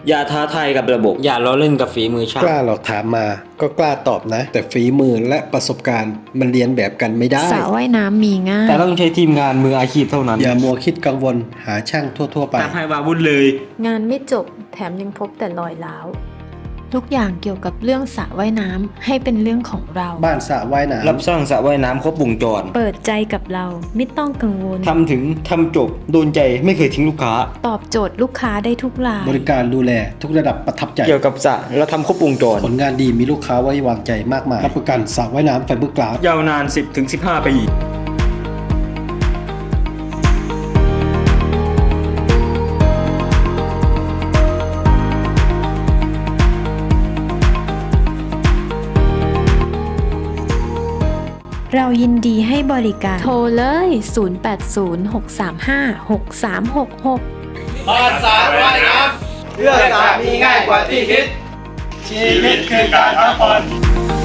อย่าท้าทายกับระบบอย่าล้อเล่นกับฝีมือช่างกล้าหรอกถามมาก็กล้าตอบนะ แต่ฝีมือและประสบการณ์มันเรียนแบบกันไม่ได้สระว่ายน้ำมีง่ายแต่ต้องใช้ทีมงานมืออาชีพเท่านั้นอย่ามัวคิดกังวลหาช่างทั่วไปตามให้วาวุ่นเลยงานไม่จบแถมยังพบแต่รอยร้าวทุกอย่างเกี่ยวกับเรื่องสระว่ายน้ำให้เป็นเรื่องของเราบ้านสระว่ายน้ำรับสร้างสระว่ายน้ำครบวงจรเปิดใจกับเราไม่ต้องกังวลทำถึงทำจบโดนใจไม่เคยทิ้งลูกค้าตอบโจทย์ลูกค้าได้ทุกรายบริการดูแลทุกระดับประทับใจเกี่ยวกับสระเราทำครบวงจรผลงานดีมีลูกค้าไว้วางใจมากมายรับประกันสระว่ายน้ำไฟเบอร์กลาสยาวนาน 10-15 ปีเรายินดีให้บริการ โทรเลย 0806356366 บ้านสระว่ายน้ำเรื่องสระมีง่ายกว่าที่คิด ชีวิตคือการพักผ่อน